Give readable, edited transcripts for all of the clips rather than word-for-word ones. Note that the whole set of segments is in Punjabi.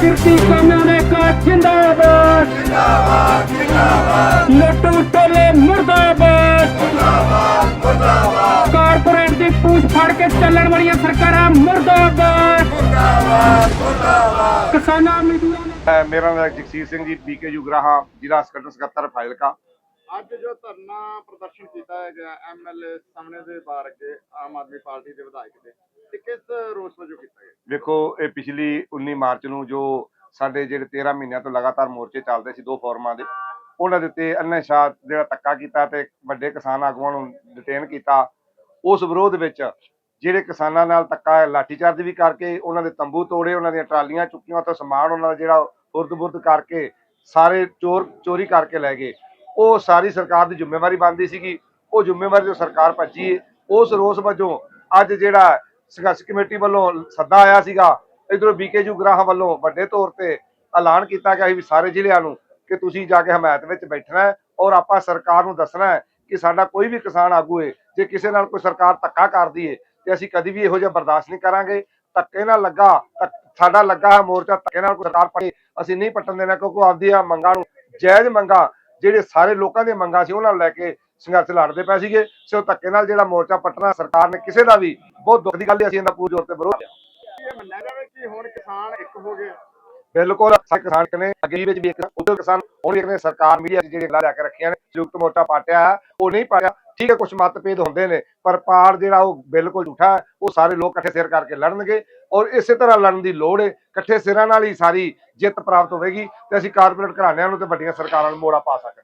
किरती काम्याने का जिंदाबाद जिंदाबाद जिंदाबाद लट्टू टोले मुर्दाबाद मुर्दाबाद मुर्दाबाद कारपोरेट दी पूछ फाड़ के चलण वाली सरकारां मुर्दाबाद मुर्दाबाद मुर्दाबाद किसानां मजदूरां। मेरा नाम जगसीर सिंह जी बीके जुगराहा जिला संगठन सकत्तर फाजिलका। ਅੱਜ ਜੋ ਧਰਨਾ ਪ੍ਰਦਰਸ਼ਨ ਕੀਤਾ ਹੈਗਾ ਐਮਐਲਏ ਸਾਹਮਣੇ ਦੇ ਬਾਹਰ ਅੱਗੇ ਆਮ ਆਦਮੀ ਪਾਰਟੀ ਦੇ ਵਿਧਾਇਕ ਦੇ ਤੇ ਕਿਸ ਰੋਸ ਵਜੋਂ ਕੀਤਾ ਗਿਆ? ਵੇਖੋ ਇਹ ਪਿਛਲੀ 19 ਮਾਰਚ ਨੂੰ ਜੋ ਸਾਡੇ ਜਿਹੜੇ 13 ਮਹੀਨਿਆਂ ਤੋਂ ਲਗਾਤਾਰ ਮੋਰਚੇ ਚੱਲਦੇ ਸੀ ਦੋ ਫੋਰਮਾਂ ਦੇ, ਉਹਨਾਂ ਦੇ ਉੱਤੇ ਅੰਨੇ ਸ਼ਾਹ ਜਿਹੜਾ ਧੱਕਾ ਕੀਤਾ ਤੇ ਵੱਡੇ ਕਿਸਾਨ ਆਗੂਆਂ ਨੂੰ ਡਿਟੇਨ ਕੀਤਾ। ਉਸ ਵਿਰੋਧ ਵਿੱਚ ਜਿਹੜੇ ਕਿਸਾਨਾਂ ਨਾਲ ਧੱਕਾ ਲਾਠੀਚਾਰਜ ਵੀ ਕਰਕੇ ਉਹਨਾਂ ਦੇ ਤੰਬੂ ਤੋੜੇ, ਉਹਨਾਂ ਦੀਆਂ ਟਰਾਲੀਆਂ ਚੁੱਕੀਆਂ ਤੋਂ ਸਮਾਨ ਉਹਨਾਂ ਦਾ ਜਿਹੜਾ ਉਰਦ-ਬੁਰਦ ਕਰਕੇ ਸਾਰੇ ਚੋਰੀ ਕਰਕੇ ਲੈ ਗਏ। ਉਹ ਸਾਰੀ ਸਰਕਾਰ ਦੀ ਜ਼ਿੰਮੇਵਾਰੀ ਬਣਦੀ ਸੀਗੀ। ਉਹ ਜ਼ਿੰਮੇਵਾਰੀ ਜੋ ਸਰਕਾਰ ਭੱਜੀ ਹੈ, ਉਸ ਰੋਸ ਵਜੋਂ ਅੱਜ ਜਿਹੜਾ ਸੰਘਰਸ਼ ਕਮੇਟੀ ਵੱਲੋਂ ਸੱਦਾ ਆਇਆ ਸੀਗਾ, ਇਧਰੋਂ ਬੀਕੇ ਜੁਗਰਾਹਾਂ ਵੱਲੋਂ ਵੱਡੇ ਤੌਰ ਤੇ ਐਲਾਨ ਕੀਤਾ ਗਿਆ ਸੀ ਵੀ ਸਾਰੇ ਜ਼ਿਲ੍ਹਿਆਂ ਨੂੰ ਕਿ ਤੁਸੀਂ ਜਾ ਕੇ ਹਮਾਇਤ ਵਿੱਚ ਬੈਠਣਾ ਹੈ ਔਰ ਆਪਾਂ ਸਰਕਾਰ ਨੂੰ ਦੱਸਣਾ ਹੈ ਕਿ ਸਾਡਾ ਕੋਈ ਵੀ ਕਿਸਾਨ ਆਗੂ ਹੈ ਜੇ ਕਿਸੇ ਨਾਲ ਕੋਈ ਸਰਕਾਰ ਧੱਕਾ ਕਰਦੀ ਹੈ ਤੇ ਅਸੀਂ ਕਦੀ ਵੀ ਇਹੋ ਜਿਹਾ ਬਰਦਾਸ਼ਤ ਨਹੀਂ ਕਰਾਂਗੇ। ਧੱਕੇ ਨਾਲ ਸਾਡਾ ਲੱਗਾ ਹੈ ਮੋਰਚਾ, ਧੱਕੇ ਨਾਲ ਕੋਈ ਸਰਕਾਰ ਪੜੇ ਅਸੀਂ ਨਹੀਂ ਪੱਟਣ ਦੇਣਾ, ਕਿਉਂਕਿ ਆਪਦੀਆਂ ਮੰਗਾਂ ਨੂੰ ਜਾਇਜ਼ ਮੰਗਾਂ ਜਿਹੜੇ ਸਾਰੇ ਲੋਕਾਂ ਦੀਆਂ ਮੰਗਾਂ ਸੀ ਉਹਨਾਂ ਨੂੰ ਲੈ ਕੇ ਸੰਘਰਸ਼ ਲੜਦੇ ਪਏ ਸੀਗੇ। ਸੋ ਧੱਕੇ ਨਾਲ ਜਿਹੜਾ ਮੋਰਚਾ ਪੱਟਣਾ ਸਰਕਾਰ ਨੇ ਕਿਸੇ ਦਾ ਵੀ ਬਹੁਤ ਦੁੱਖ ਦੀ ਗੱਲ ਹੈ। ਅਸੀਂ ਇਹਦਾ ਪੂਰੇ ਜ਼ੋਰ ਤੇ ਵਿਰੋਧ ਇਹ ਮੰਨਿਆ ਜਾਵੇ ਕਿ ਹੁਣ ਕਿਸਾਨ ਇੱਕ ਹੋ ਗਏ? ਬਿਲਕੁਲ ਸਾਰੇ ਕਿਸਾਨ ਨੇ ਅੱਗੇ ਵਿੱਚ ਵੀ ਇੱਕ ਉਦੋਂ ਕਿਸਾਨ ਹੁਣ ਇੱਕ ਨੇ ਸਰਕਾਰ ਮੀਡੀਆ ਜਿਹੜੇ ਗੱਲਾਂ ਲੈ ਕੇ ਰੱਖੀਆਂ ਨੇ ਸੰਯੁਕਤ ਮੋਰਚਾ ਪਾਟਿਆ ਉਹ ਨਹੀਂ ਪਾਇਆ। ਠੀਕ ਹੈ, ਕੁਝ ਮਤਭੇਦ ਹੁੰਦੇ ਨੇ ਪਰ ਪਾੜ ਜਿਹੜਾ ਉਹ ਬਿਲਕੁਲ ਝੂਠਾ ਹੈ। ਉਹ ਸਾਰੇ ਲੋਕ ਇਕੱਠੇ ਸਿਰ ਕਰਕੇ ਲੜਨਗੇ ਔਰ ਇਸੇ ਤਰ੍ਹਾਂ ਲੜਨ ਦੀ ਲੋੜ ਹੈ। ਇਕੱਠੇ ਸਿਰਾਂ ਨਾਲ ਹੀ ਸਾਰੀ ਜਿੱਤ ਪ੍ਰਾਪਤ ਹੋਵੇਗੀ ਤੇ ਅਸੀਂ ਕਾਰਪੋਰੇਟ ਘਰਾਣਿਆਂ ਨੂੰ ਤੇ ਵੱਡੀਆਂ ਸਰਕਾਰਾਂ ਨੂੰ ਮੋੜਾ ਪਾ ਸਕਦੇ।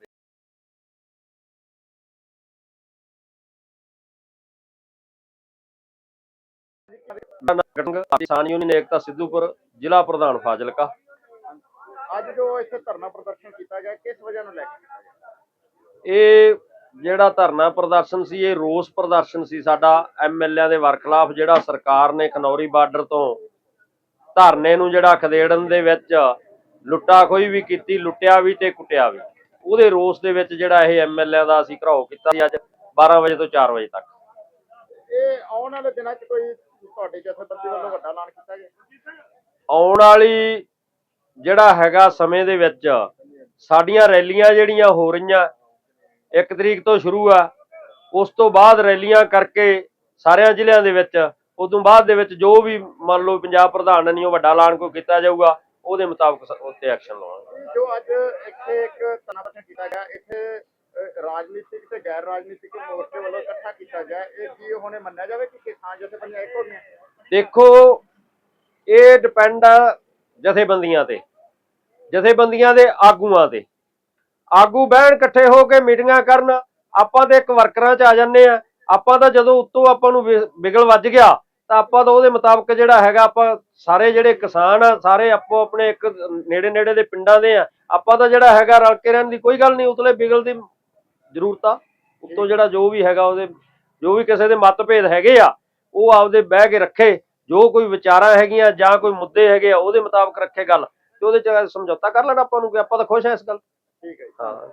ਕਿਸਾਨ ਯੂਨੀਅਨ ਏਕਤਾ ਸਿੱਧੂਪੁਰ ਜ਼ਿਲ੍ਹਾ ਪ੍ਰਧਾਨ ਫਾਜ਼ਿਲਕਾ। ਅੱਜ ਜੋ ਇੱਥੇ ਧਰਨਾ ਪ੍ਰਦਰਸ਼ਨ ਕੀਤਾ ਗਿਆ ਕਿਸ ਵਜ੍ਹਾ ਨੂੰ ਲੈ ਕੇ ਕੀਤਾ ਗਿਆ? ਇਹ ਜਿਹੜਾ ਧਰਨਾ ਪ੍ਰਦਰਸ਼ਨ ਸੀ ਇਹ ਰੋਸ ਪ੍ਰਦਰਸ਼ਨ ਸੀ ਸਾਡਾ ਐਮਐਲਏ ਦੇ ਵਰਖਲਾਫ, ਜਿਹੜਾ ਸਰਕਾਰ ਨੇ ਖਨੌਰੀ ਬਾਰਡਰ ਤੋਂ ਧਰਨੇ ਨੂੰ ਜਿਹੜਾ ਖਦੇੜਨ ਦੇ ਵਿੱਚ ਲੁੱਟਾ ਖੋਹੀ ਵੀ ਕੀਤੀ, ਲੁੱਟਿਆ ਵੀ ਤੇ ਕੁੱਟਿਆ ਵੀ। ਉਹਦੇ ਰੋਸ ਦੇ ਵਿੱਚ ਜਿਹੜਾ ਇਹ ਐਮਐਲਏ ਦਾ ਅਸੀਂ ਘਰਾਓ ਕੀਤਾ ਸੀ ਅੱਜ 12 ਵਜੇ ਤੋਂ 4 ਵਜੇ ਤੱਕ। ਇਹ ਆਉਣ ਵਾਲੇ ਦਿਨਾਂ 'ਚ ਕੋਈ ਤੁਹਾਡੇ ਜਥੇਬੰਦੀ ਵੱਲੋਂ ਵੱਡਾ ਐਲਾਨ ਕੀਤਾ ਗਿਆ? ਆਉਣ ਵਾਲੀ ਜਿਹੜਾ ਹੈਗਾ ਸਮੇਂ ਦੇ ਵਿੱਚ ਸਾਡੀਆਂ ਰੈਲੀਆਂ ਜਿਹੜੀਆਂ ਹੋ ਰਹੀਆਂ 1 ਤਰੀਕ ਤੋਂ ਸ਼ੁਰੂ ਆ, ਉਸ ਤੋਂ ਬਾਅਦ ਰੈਲੀਆਂ ਕਰਕੇ ਸਾਰਿਆਂ ਜ਼ਿਲ੍ਹਿਆਂ ਦੇ ਵਿੱਚ, ਉਸ ਤੋਂ ਬਾਅਦ ਦੇ ਵਿੱਚ ਜੋ ਵੀ ਮੰਨ ਲਓ ਪੰਜਾਬ ਪ੍ਰਧਾਨ ਨੇ ਉਹ ਵੱਡਾ ਐਲਾਨ ਕੋਈ ਕੀਤਾ ਜਾਊਗਾ ਉਹਦੇ ਮੁਤਾਬਕ ਉੱਤੇ ਐਕਸ਼ਨ ਲਵਾਂਗੇ। ਜੋ ਅੱਜ ਇੱਥੇ ਇੱਕ ਧਰਨਾ ਪ੍ਰਦਰਸ਼ਨ ਕੀਤਾ ਗਿਆ, ਇੱਥੇ ਰਾਜਨੀਤਿਕ ਤੇ ਗੈਰ ਰਾਜਨੀਤਿਕ ਮੋਰਚੇ ਵੱਲੋਂ ਇਕੱਠਾ ਕੀਤਾ ਗਿਆ, ਇਹ ਕੀ ਹੁਣੇ ਮੰਨਿਆ ਜਾਵੇ ਕਿ ਕਿਸਾਨ ਜਥੇਬੰਦੀਆਂ ਇੱਕ ਹੋ ਗਈਆਂ? ਦੇਖੋ ਇਹ ਡਿਪੈਂਡ ਆ ਜਥੇਬੰਦੀਆਂ ਤੇ, ਜਥੇਬੰਦੀਆਂ ਦੇ ਆਗੂਆਂ ਤੇ। ਆਗੂ ਬਹਿਣ ਇਕੱਠੇ ਹੋ ਕੇ ਮੀਟਿੰਗਾਂ ਕਰਨ, ਆਪਾਂ ਤੇ ਇੱਕ ਵਰਕਰਾਂ 'ਚ ਆ ਜਾਂਦੇ ਆ। ਆਪਾਂ ਤਾਂ ਜਦੋਂ ਉੱਤੋਂ ਆਪਾਂ ਨੂੰ ਵਿਗਲ ਵੱਜ ਗਿਆ ਤਾਂ ਆਪਾਂ ਤਾਂ ਉਹਦੇ ਮੁਤਾਬਕ ਜਿਹੜਾ ਹੈਗਾ ਆਪਾਂ ਸਾਰੇ ਜਿਹੜੇ ਕਿਸਾਨ ਆ ਸਾਰੇ ਆਪੋ ਆਪਣੇ ਇੱਕ ਨੇੜੇ ਦੇ ਪਿੰਡਾਂ ਦੇ ਆ, ਆਪਾਂ ਤਾਂ ਜਿਹੜਾ ਹੈਗਾ ਰਲ ਕੇ ਰਹਿਣ ਦੀ ਕੋਈ ਗੱਲ ਨਹੀਂ, ਉਤਲੇ ਵਿਗਲ ਦੀ ਜ਼ਰੂਰਤ ਆ। ਉੱਤੋਂ ਜਿਹੜਾ ਜੋ ਵੀ ਹੈਗਾ ਉਹਦੇ ਜੋ ਵੀ ਕਿਸੇ ਦੇ ਮਤਭੇਦ ਹੈਗੇ ਆ ਉਹ ਆਪਦੇ ਬਹਿ ਕੇ ਰੱਖੇ, ਜੋ ਕੋਈ ਵਿਚਾਰਾਂ ਹੈਗੀਆਂ ਜਾਂ ਕੋਈ ਮੁੱਦੇ ਹੈਗੇ ਆ ਉਹਦੇ ਮੁਤਾਬਕ ਰੱਖੇ ਗੱਲ, ਤੇ ਉਹਦੇ 'ਚ ਸਮਝੌਤਾ ਕਰ ਲੈਣਾ ਆਪਾਂ ਨੂੰ ਕਿ ਆਪਾਂ ਤਾਂ ਖੁਸ਼ ਆ ਇਸ ਗੱਲ। ਠੀਕ ਹੈ ਜੀ। ਹਾਂ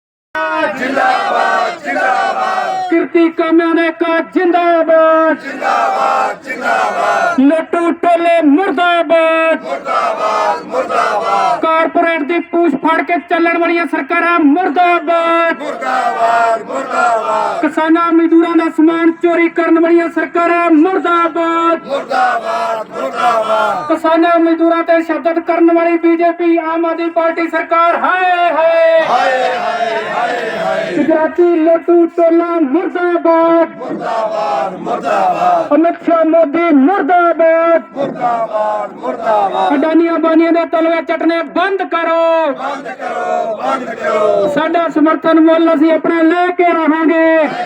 जिंदाबाद जिंदाबाद किरती काम्याने का जिंदाबाद जिंदाबाद जिंदाबाद लट्टू टोले मुर्दाबाद मुर्दाबाद मुर्दाबाद कारपोरेट दी पूछ फाड़ के चलण वाली सरकारां मुर्दाबाद मुर्दाबाद मुर्दाबाद किसानां मजदूरां दा समान चोरी करन वाली सरकारां मुर्दाबाद मुर्दाबाद मुर्दाबाद किसानां मजदूरां ते शब्दत करन वाली बीजेपी आम आदमी पार्टी सरकार हाय हाय हाय हाय गुजराती लट्टू टोला मुर्दाबाद मुर्दाबाद मुर्दाबाद अमित शाह मोदी मुर्दाबाद मुर्दाबाद मुर्दाबाद अडानिया बानिया दे तलवे चटने बंद करो बंद करो बंद करो साडा समर्थन मुल असीं अपना लेके रहांगे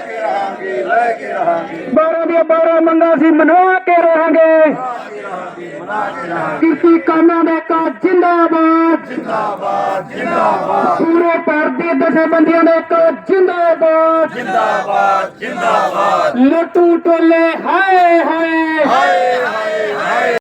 12 दी 12 मंगां असीं मना के रहांगे किसी कामां दा का जिंदाबाद जिंदाबाद जिंदाबाद पूरे भारत दी जथेबंदियां दा का जिंदाबाद जिंदाबाद जिंदाबाद लट्टू टोले हाय हाय हाय हाय हाय